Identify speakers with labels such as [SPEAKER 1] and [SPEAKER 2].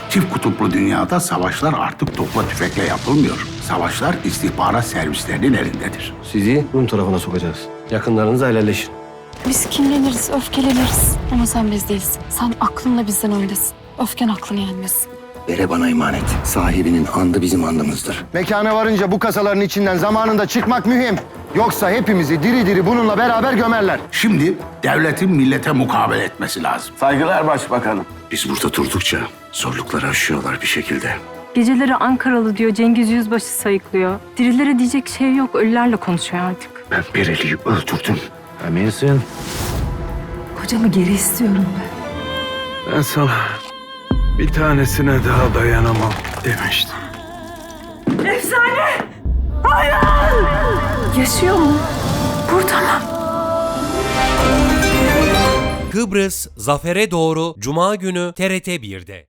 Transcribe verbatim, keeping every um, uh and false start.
[SPEAKER 1] Çift kutuplu dünyada savaşlar artık topla tüfekle yapılmıyor. Savaşlar istihbarat servislerinin elindedir.
[SPEAKER 2] Sizi Rum tarafına sokacağız. Yakınlarınızla helalleşin.
[SPEAKER 3] Biz kinleniriz, öfkeleniriz. Ama sen biz değilsin. Sen aklınla bizden öndesin. Öfken aklını yenmesin.
[SPEAKER 4] Vere bana emanet. Sahibinin andı bizim andımızdır.
[SPEAKER 5] Mekana varınca bu kasaların içinden zamanında çıkmak mühim. Yoksa hepimizi diri diri bununla beraber gömerler.
[SPEAKER 1] Şimdi devletin millete mukabele etmesi lazım.
[SPEAKER 2] Saygılar başbakanım.
[SPEAKER 4] Biz burada durdukça zorlukları aşıyorlar bir şekilde.
[SPEAKER 6] Geceleri Ankaralı diyor, Cengiz Yüzbaşı sayıklıyor. Dirilere diyecek şey yok, ölülerle konuşuyor artık.
[SPEAKER 4] Ben Bereli'yi öldürdüm.
[SPEAKER 7] Eminsin?
[SPEAKER 6] Kocamı geri istiyorum ben.
[SPEAKER 7] Ben sana bir tanesine daha dayanamam demiştim.
[SPEAKER 6] Yaşıyor mu? Burada mı?
[SPEAKER 8] Kıbrıs Zafer'e doğru Cuma günü T R T bir'de.